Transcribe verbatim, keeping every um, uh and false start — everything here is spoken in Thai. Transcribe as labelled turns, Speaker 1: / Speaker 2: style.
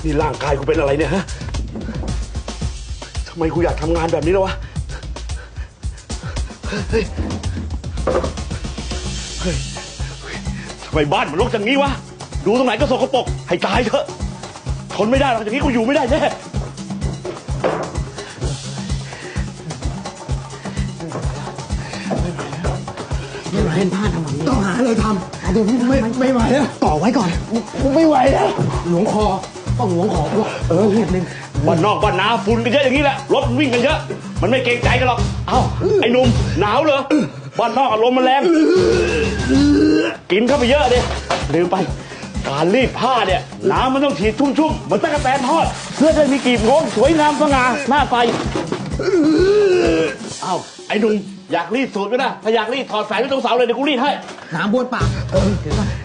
Speaker 1: นี่ร่างกายกูเป็นอะไรเนี่ยฮะทำไมกูอยากทำงานแบบนี้แล้ววะเฮ้ยเฮ้ยทำไมบ้านมันรกอย่างนี้วะดูตรงไหนก็สกปรกให้ตายเถอะทนไม่ได้หรอกอย่างนี้กูอยู่ไม่ได้แน่
Speaker 2: เล่นผ้าทำแบบนี้
Speaker 3: ต้องหาอะไรทำ
Speaker 2: เดี๋ยวนี้ไม่
Speaker 3: ไม่ไหวแล้ว
Speaker 2: ต่อไว้ก่อน
Speaker 3: กูไม่ไหวแล้ว
Speaker 2: หลวงคอต้องหลวงคอพวกเออเรียบนึง
Speaker 1: บ้านนอกบ้านนาฝุ่นกันเยอะอย่างนี้แหละรถวิ่งกันเยอะมันไม่เกรงใจกันหรอกเอ้าไอ้หนุ่มหนาวเหรอบ้านนอกอารมณ์มันแรงกินเข้าไปเยอะดิลืมไปการรีดผ้าเนี่ยน้ำมันต้องฉีดชุ่มๆเหมือนตะกั่วแตนทอดเพื่อจะมีกลีบงงสวยงามสง่าหน้าไฟเอ้าไอ้หนุ่มอยากรีดสูตรก็ได้ถ้าอยากรีดถอดสายไว้ตรงเสาเลยเดี๋ยวกูรีดให้
Speaker 2: น้ำบ้วนปากเออเดี๋ยวก่อน